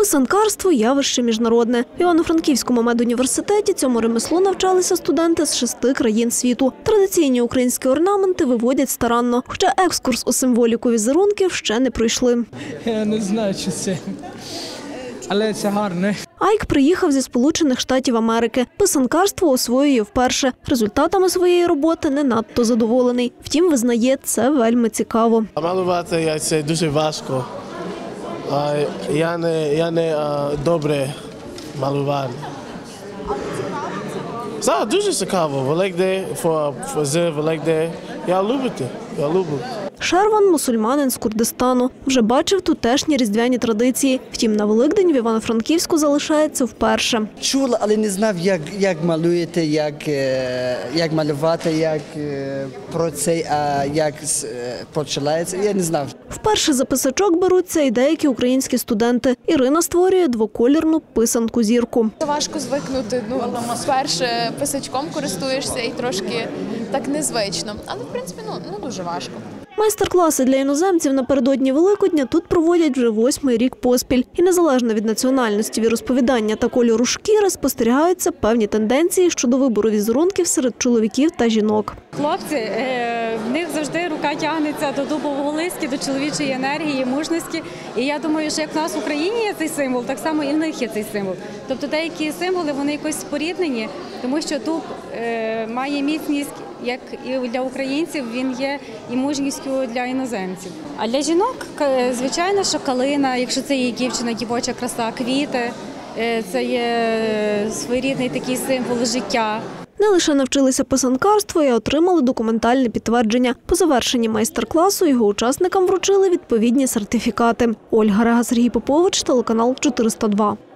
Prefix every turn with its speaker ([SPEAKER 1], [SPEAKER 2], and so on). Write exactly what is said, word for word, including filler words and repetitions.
[SPEAKER 1] Писанкарство – явище міжнародне. В Івано-Франківському медуніверситеті цьому ремеслу навчалися студенти з шести країн світу. Традиційні українські орнаменти виводять старанно, хоча екскурс у символіку візерунків ще не пройшли.
[SPEAKER 2] Я не знаю, що це, але це гарне.
[SPEAKER 1] Айк приїхав зі Сполучених Штатів Америки. Писанкарство освоює вперше. Результатами своєї роботи не надто задоволений. Втім, визнає, це вельми цікаво.
[SPEAKER 3] Малювати це дуже важко. Я не, я не добре малював. Так, дуже цікаво. Великдень, з Великдень. Я люблю це. Я люблю.
[SPEAKER 1] Шерван – мусульманин з Курдистану. Вже бачив тутешні різдвяні традиції. Втім, на Великдень в Івано-Франківську залишається вперше.
[SPEAKER 4] Чула, але не знав, як, як малюєте, як, як малювати, як про це, а як починається. Я не знав.
[SPEAKER 1] Вперше за писачок беруться і деякі українські студенти. Ірина створює двоколірну писанку-зірку.
[SPEAKER 5] Важко звикнути. Ну, вперше писачком користуєшся і трошки так незвично. Але, в принципі, ну, не дуже важко.
[SPEAKER 1] Майстер-класи для іноземців напередодні Великодня тут проводять вже восьмий рік поспіль. І незалежно від національності, віросповідання та кольору шкіри спостерігаються певні тенденції щодо вибору візерунків серед чоловіків та жінок.
[SPEAKER 6] Хлопці, в них завжди рука тягнеться до дубового листя, до чоловічої енергії, мужності. І я думаю, що як в нас в Україні є цей символ, так само і в них є цей символ. Тобто деякі символи, вони якось споріднені, тому що дуб має міцність, як і для українців, він є і мужністю для іноземців. А для жінок, звичайно, що калина, якщо це є дівчина, дівоча краса, квіти, це є своєрідний такий символ життя.
[SPEAKER 1] Не лише навчилися писанкарству, і отримали документальне підтвердження. По завершенні майстер-класу його учасникам вручили відповідні сертифікати. Ольга Рега, Сергій Попович, телеканал чотириста два.